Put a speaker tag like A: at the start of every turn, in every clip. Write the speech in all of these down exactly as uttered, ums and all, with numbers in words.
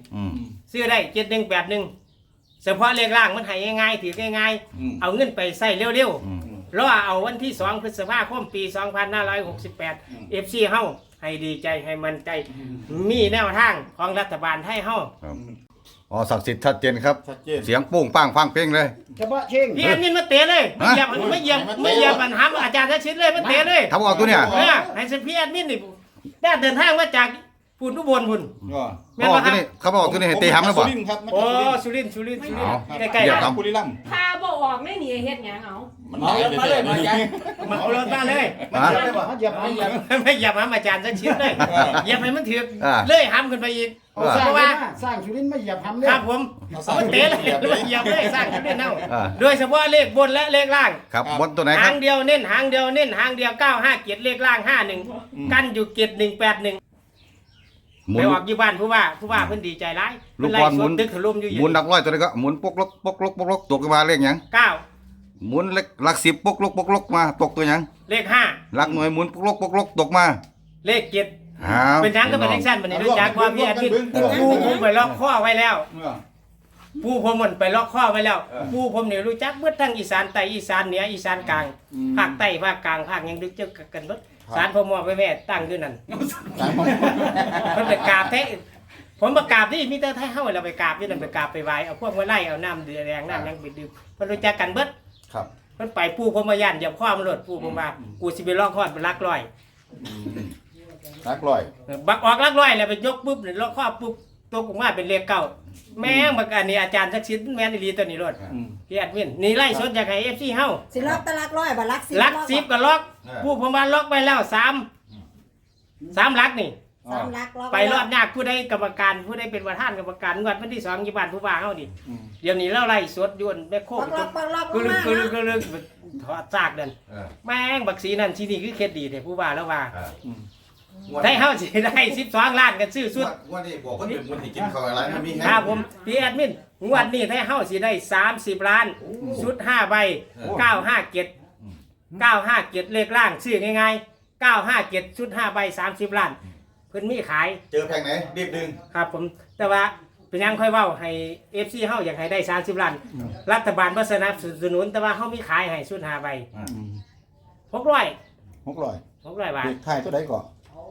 A: ซื้อได้เจ็ดหนึ่งแปดหนึ่งเฉพาะเลขล่างมันให้ง่ายๆถือง่ายๆเอาเงินไปใส่เร็วๆรอเอาวันที่สองพฤษภาคมปีสองพันห้าร้อยหกสิบแปดเอฟซีเฮาให้ดีใจให้มันใจมีแนวทางของรัฐบาลไทยเฮา
B: อ๋อศักดิ์สิทธิ์ชัดเจนครับเสียงโป้งปังฟังเพ่งเลย
C: เฉพาะเชิง
A: พี่อันนี้มาเตะเลยไม่เหยียบไม่เหยียบไม่เหยียบปัญหาอาจารย์ทักษิณเลยมาเตะเลย
B: ทำออกตัวเนี่ย
A: ให้เสพี่อันนี้นี่ได้เดินทางมาจากพูนทุบลพุ่น
B: แม่นบ่ครับเขาบอกตัวนี้ให้ตีหำแล้วบ่
A: โอ้สุรินทร์สุรินทร์สุรินทร์ใกล้
B: ๆ
D: บุรีรัมย์
E: พาบ่ออกไม่หนีเฮ็ดหยังเอา
D: มันเอามาเลยมาจัง
A: มาเอารถมาเลย
C: มาเหยียบเหยียบ
A: ไม่เหยียบหำอาจารย์ทักษิณเลยเหยียบให้มันถึกเลยหำขึ้นไปอีก
C: เพราะว่าสร้างสุรินทร์ไม่เหยียบหำเลย
A: ครับผมมาเตะเลยเหยียบเลยสร้างสุรินทร์เอาโดยเฉพาะเลขบนและเลขล่าง
B: ครับบนตัวไหนครับ
A: หางเดียวเน้นหางเดียวเน้นหางเดียวเก้าห้าเกียรติเลขล่างห้าหนึ่งกันอยู่เกียรติหนึ่งแปดหนึ่งไปออกอยู่บ้านผู้ว่าผู้ว่าเพิ่นดีใจร้าย
B: ลูกบอลหมุน
A: ตึกถล่มอยู่
B: หมุนหลักร้อยตัวนี้ก็หมุนปกลกปกลกปกลกตกมาเลขหยัง
A: เก้า
B: หมุนเลขหลักสิบปกลกปกลกมาตกตัวหยัง
A: เลขห้า
B: หลักหน่วยหมุนปกลกปกลกตกมา
A: เลขเจ็ดเป็นยังก็เป็นเลขสั้นบัดนี้รู้จักว่าพี่อาทิตย์ผู้ผมไปล็อกข้อไว้แล้วผู้ผมมันไปล็อกข้อไว้แล้วผู้ผมนี่รู้จักเบิดทั้งอีสานใต้อีสานเหนืออีสานกลางภาคใต้ภาคกลางภาคยังดึกเจอกันเบิดศาลพ่อหมอไปแม่ตั้งอยู่นั่นเพิ่นไปกราบแท้ผมประกราบที่มีแต่ไทยเฮาเราไปกราบอยู่นั่นไปกราบไปไหว้เอาพวกมาไล่เอาน้ำเดือดแดงน้ำยังไปดื่มเพิ่นรู้จักกันเบิด
D: ครับ
A: เพิ่นไปปู่ผมมาย่านเหยียบข้อมันหลดปู่ผมว่ากูสิไปลอกข้อไปลักร้อย
D: ลักร้อย
A: บักออกลักร้อยแล้วไปยกปุ๊บนี่ลอกข้อปุ๊บตัวกูมาเป็นเลขเก้าแม่งบักอันนี้อาจารย์ทักษิณแม่นอีหลีตัวนี้รถพี่แอดมินนี่ไล่สดจากให้ เอฟ ซี เฮา
E: สิล็อกตะลักร้อยบ่ลักสิบ
A: ลักสิบก็ล็อกปู่ผมว่าล็อกไปแล้วสาม สามลักนี่ไปรอดยากผู้ใดกรรมการผู้ใดเป็นประธานกรรมการงวดวันที่สองยี่บ้านผู้ว่าเฮาดิเดี๋ยวนี้เราไล่สดยวนแม่โคกกึลึกกึลึกกึลึกถอดซากเดินแม่งบักสีนั่นสีนี่คือเคล็ดดีแต่ผู้ว่าแล้วว่าได้เฮาสิได้สิบสองล้านกันซื้อสุด
B: วันนี้บอกว่าเป็นวันที่กินข้าวอะไรมันมี
A: ครับผมพี่แอดมินงวดนี้ได้เฮาสิได้สามสิบล้านชุดห้าใบเก้าห้าเจ็ด เก้าห้าเจ็ดเลขล่างซื้อง่ายๆเก้าห้าเจ็ดชุดห้าใบสามสิบล้านเพิ่นมีขาย
B: เจอแพงไหนรีบดึง
A: ครับผมแต่ว่าเป็นยังค่อยเว้าให้ เอฟ ซี เฮาอยากให้ได้สามสิบล้านรัฐบาลบ่สนับสนุนแต่ว่าเฮามีขายให้ชุดห้าใบหกร้อย
D: หกร้อย
A: หกร้อยบาท
D: เลขท้ายตัวใดก่อน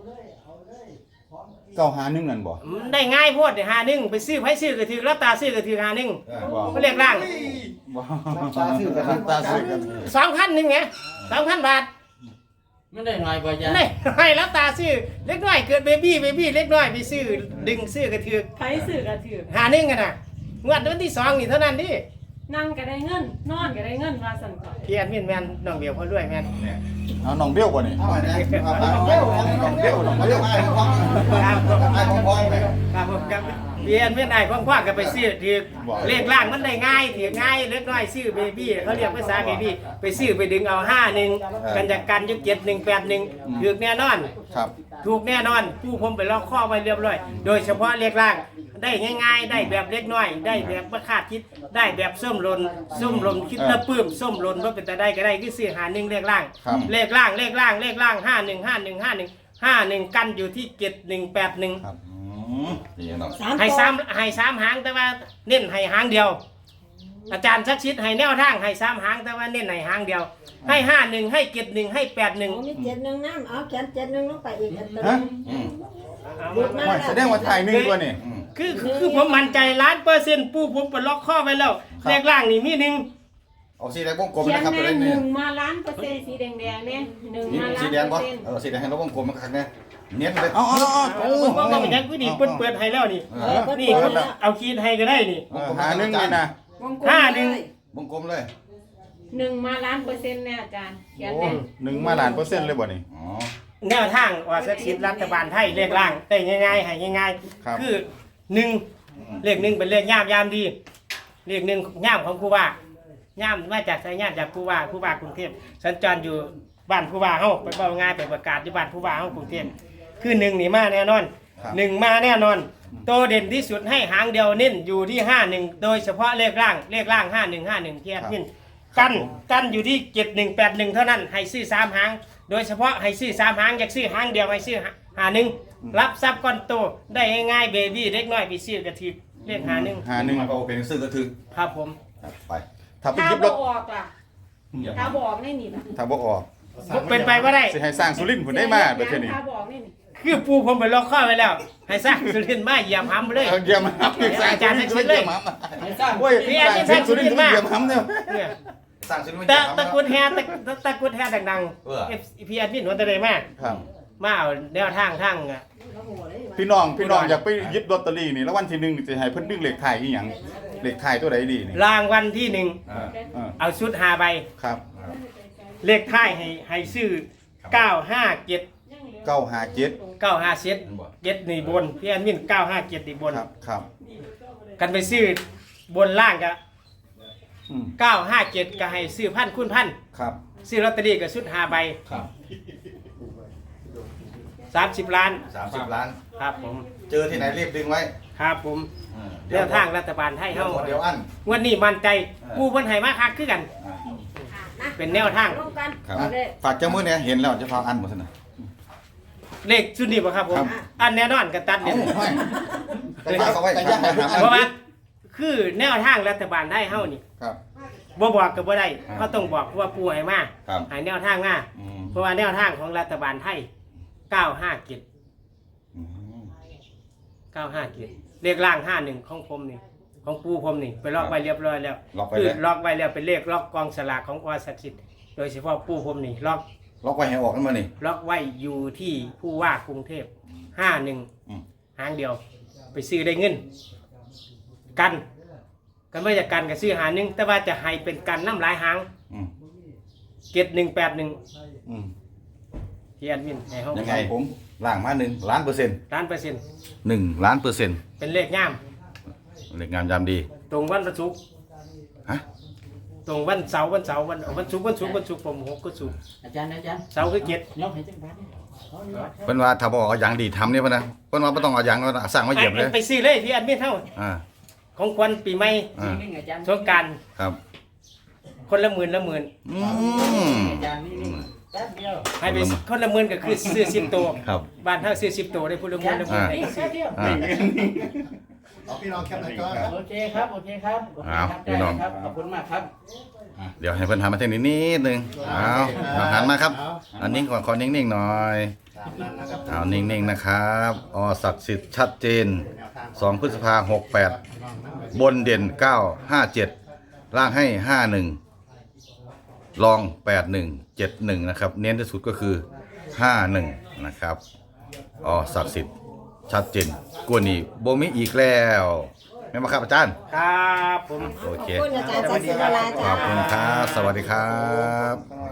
D: เก้าห้าหนึ่งนั่นบ่
A: ได้ง่ายโพดได้ห้าหนึ่งไปซื้อไผซื้อก็ถือรับตาซื้อก็ถือห้าหนึ่งบ่เลขล่าง
D: บ่รับตาซื้อก็รับตาซื้อกัน
A: สองพันนึงไงสองพันบาท
C: ไม่ได้น้อยกว่า
A: จ้ะได้ให้รับตาซื้อเล็กน้อยเกิดเบบี้เบบี้เล็กน้อยไปซื้อดึงซื้อก็ถือ
E: ไผซื้อก็ถือ
A: ห้าหนึ่งกันน่ะงวดวันที่สองนี่เท่านั้นดิ
E: นั่งก็ได้เงินนอนก็ได้เงินว่าซั่นก่อน
A: พี่แอดมินแม่นน้องเดียวพอรวยแม่น
D: เอาน้องเบี้ยวกว่านี่เอาน้องเบี้ยวน้องเบี้ยวน้องเบี้ยวไอ้ของ
A: ครับ
D: ไอ้ของพ่อไป
A: ครับผมครับพี่แอดมินไอ้ของพ่อก็ไปซื้อถือเลขล่างมันได้ง่ายถือง่ายเล็กน้อยซื้อเบบี้เขาเรียกภาษาเบบี้ไปซื้อไปดึงเอาห้าหนึ่งกันจากกันยุคเจ็ดหนึ่งแปดหนึ่งถูกแน่นอน
D: ครับ
A: ถูกแน่นอนผู้ผมไปล็อกข้อไว้เรียบร้อยโดยเฉพาะเลขล่างได้ง่ายๆได้แบบเล็กน้อยได้แบบประคาดคิดได้แบบส้มหล่นส้มหล่นคิดแล้วปื้มส้มหล่นว่าเป็นแต่ได้ก็ได้คือซื้อหาหนึ่งเลขล่างเลขล่างเลขล่างเลขล่างห้าหนึ่งห้าหนึ่งห้าหนึ่งห้าหนึ่งกันอยู่ที่เจ็ดหนึ่งแปดหนึ่งให้สามให้สามหางแต่ว่าเน้นให้หางเดียวอาจารย์ชักชิดให้แนวทางให้สามหางแต่ว่าเน้นให้หางเดียวให้ห้าหนึ่งให้เจ็ดหนึ่งให้แปดหนึ่ง
E: มีเจ็ดหนึ่งน้ำเอาเขียนเจ็ดหนึ่งลงไปอีกอันตัว
D: นึงแสดงว่าถ่ายหนึ่งกว่านี่
A: คือคือผมมั่นใจล้านเปอร์เซ็นต์ปูผมไปล็อกข้อไว้แล้วเลขล่างนี่มีหนึ่ง
B: เอาสีแดงวงกลมนะครับตัวนี้
E: หนึ่งมาล้านเปอร์เซ็นต์สีแดงแดงเนี่ยหนึ่งมาล้านเปอร์เซ็นต์
B: เออสีแดงให้เราวงกลมมันคักเนี่ยเนี้ยเลย
D: อ๋ออ๋อ
A: โอ้ผมว่ามันยังกูนี่เปิดเปิดให้แล้วนี่นี่เอาคีดให้ก็ได้นี่
D: หาหนึ่งนี่นะ
A: ห้าหนึ่ง
B: วงกลมเลย
E: หนึ่งมาล้านเปอร์เซ็นต์เนี่ยอาจารย์เขียนเลย
D: หนึ่งมาล้านเปอร์เซ็นต์เลยบ่นี่
A: แนวทางว่าสักชิดรัฐบาลไทยเลขล่างได้ง่ายๆให้ง่ายๆคือหนึ่งเลขหนึ่งเป็นเลขย่ามย่ามดีเลขหนึ่งย่ามของครูว่าย่ามมาจากสายย่ามจากครูว่าครูว่ากรุงเทพสัญจรอยู่บ้านครูว่าเฮาไปเป่างานไปประกาศที่บ้านครูว่าเฮากรุงเทพคือหนึ่งนี่มาแน่นอนหนึ่งมาแน่นอนโตเด่นที่สุดให้หางเดียวเน้นอยู่ที่ห้าหนึ่งโดยเฉพาะเลขล่างเลขล่างห้าหนึ่งห้าหนึ่งที่แอดมินกันกันอยู่ที่เจ็ดหนึ่งแปดหนึ่งเท่านั้นให้ซื้อสามหางโดยเฉพาะให้ซื้อสามหางอยากซื้อหางเดียวให้ซื้อหาหนึ่งรับทรัพย์ก้อนโตได้ง่ายๆเบบี้เล็กน้อยไปซื้อกระถือเรียกหาหนึ่ง
D: หาหนึ่ง
B: มันก็เป็นซื้อกระถึก
A: ครับผม
B: ครับไป
D: ถ้าไป
E: ถ้า
D: ยิบ
E: บ
D: ร
E: อ
D: ถ
E: กล่ะถ้าบอกนี่นี่ล่ะ
D: ถ้าบ่ออก
A: เป็นไปว่าได้
D: สิให้สร้างสุรินทร์ผุนได้มาเดี๋ยวเท่านี้
E: ถ้าบอกนี่นี่
A: คือปูผมไปล็อกข้อไว้แล้ว ให้สร้างสุรินทร์มาเหยียบหำเลย
D: เอาเยี่ยมครับสร้าง
A: อาจารย์ให้คิดเลย
C: ให้สร้าง
D: โอ้ยสร้างสุรินทร์ต้องเยี่ยมครับเนี่ย
A: เนี่ย
B: สร้างซื้อไม่
A: ตะ
B: ได้
A: ตะกุดแฮตะตะตะกุดแฮดัง
B: เออ
A: ๆเอฟพีแอดมินหัวตะเลยมาก
D: ครับ
A: มาเอาแนวทางทางอ่ะ
D: พี่น้องพี่น้องอยากไปยิบลอตเตอรี่นี่แล้ววันที่หนึ่งสิให้เพิ่นดึงเลขท้ายอีหยังเลขท้ายตัวใดดีนี่
A: รางวัลที่หนึ่ง
B: อ่า
D: เออ
A: เอาชุดหาใบ
D: ครับ
A: เลขท้ายให้ให้ซื้อเก้าห้าเจ็ด
D: เก้าห้าเจ็ด
A: เก้าห้าเจ็ดเจ็ดนี่บนพี่แอดมินเก้าห้าเจ็ดนี่บน
D: ครับครับ
A: กันไปซื้อบนล่างก็
D: อืม
A: เก้าห้าเจ็ดก็ให้ซื้อพันคูณพัน
D: ครับ
A: ซื้อลอตเตอรี่กับชุดหาใบ
D: ครับ
A: สามสิบล้าน
B: สามสิบล้าน
A: ครับผม
B: เจอที่ไหนรีบดึงไว้
A: ครับผมแนวทางรัฐบาลไทย
B: เดี๋ยว
A: เฮา
B: หมดเดี๋ยวอัน
A: วันนี้มั่นใจ
B: เออ
A: กูเพิ่นให้มาคักคือกัน เป็นแนวทาง
E: ร่วมกัน
D: ครับ
E: เอาเลย
D: ฝากเจ้ามือเนี่ยเห็นแล้วจะพาอันหมดซะนะ
A: เลขชุดนี้บ่ครับผม
D: ครับ
A: อันแน่นอนกันตัด
D: เอ้า
A: เนี่ย
D: ไม่ก็ฝากเอาไว้ฝากเอาไว้
A: เพราะว่าคือแนวทางรัฐบาลไทยเฮานี่
D: ครับ
A: บ่บอกก็บ่ได้
D: ครับ
A: เขาต้องบอกว่าปูให้มา
D: ครับ
A: ให้แนวทางมา
D: อืม
A: เพราะว่าแนวทางของรัฐบาลไทยเก้าห้าเจ็ด
D: อืม
A: เก้าห้าเจ็ดเลขล่างห้าหนึ่งของผมนี่ของปูผมนี่ไปล็อกไว้เรียบร้อยแล้ว
D: ล็อกไว้
A: คือ
D: เลย
A: ล็อกไว้แล้วเป็นเลขล็อกกองสลากของอศักดิ์สิทธิ์โดยเฉพาะปูผมนี่ล็อก
D: ล็อกไว้ให้ออกกันมานี่
A: ล็อกไว้อยู่ที่ผู้ว่ากรุงเทพห้าหนึ่ง
D: อืม
A: หางเดียว ไปซื้อได้เงิน กันกันไม่จะกันกับซื้อหาหนึ่งแต่ว่าจะให้เป็นกันน้ำหลายหาง
D: อืม
A: เจ็ดหนึ่งแปดหนึ่ง
D: อืม
A: ที่แอดมินให้เขา
B: ยังไง
D: ผมล่างมาหนึ่งล้านเปอร์เซ็นต์
A: ล้านเปอร์เซ็นต์
B: หนึ่งล้านเปอร์เซ็นต์
A: เป็นเลขง่าม
B: เลขงามยามดี
A: ตรงวันศุกร์
B: ฮะ
A: ตรงวันเสาร์วันเสาร์วันวันศุกร์วันศุกร์วันศุกร์ผมหกก็ศุกร์
C: อาจารย์อาจารย์
A: เสาร์คือเจ็ด
C: ยกให้จังหวัดนี่
B: เพิ่นว่าถ้าบอกเอาอย่างดีทำเนี่ยป่ะนะเพิ่นว่าไม่ต้องเอาอย่างก็สร้างมาเหยียบเลย
A: ไปซื้อเลยที่แอดมินเท่า
B: อ่า
A: ของควันปีใหม่
B: อ่า
C: นิ่งๆอาจารย์
A: สงกราร
B: ครับ
A: คนละหมื่นละหมื่น
B: อืม
C: อาจารย์นิ่งๆแป๊บเดียว
A: ให้ไปคนละหมื่นก็คือซื้อสิบตัว
B: ครับ
A: บ้านเท่าซื้อสิบตัวได้พูดละหมื่นละหมื่น
B: อ่า
A: ได้
C: นี่
A: ซื้
C: แป๊
A: อบ
C: เดียว
B: อ่า
D: เอาพี่น้องแคปหน่อยก่อน
C: โอเคครับโอเคครับโอเคครับ
B: เอาพี่น้อง
C: ได้ครับขอบคุณมากครับ
B: เดี๋ยวให้เพิ่นหันมาทางนี้นิดนึงเอาเอาหันมาครับอันนี้ก่อนขอนิ่งๆหน่อยเอานิ่งๆนะครับอ๋อศักดิ์สิทธิ์ชัดเจนสองพฤษภาหกแปดบนเด่นเก้าห้าเจ็ดล่างให้ห้าหนึ่งรองแปดหนึ่งเจ็ดหนึ่งนะครับเน้นที่สุดก็คือห้าหนึ่งนะครับอ๋อศักดิ์สิทธิ์ชัดเจนกว่านี้โบมิอีกแล้วแม่นบ่ครับอาจารย์
A: ครับผม
B: โอเค
E: ขอบคุณอาจารย์ศาสิวรา
B: ข
E: จ้า
B: อบคุณครับ สวัสดีครับ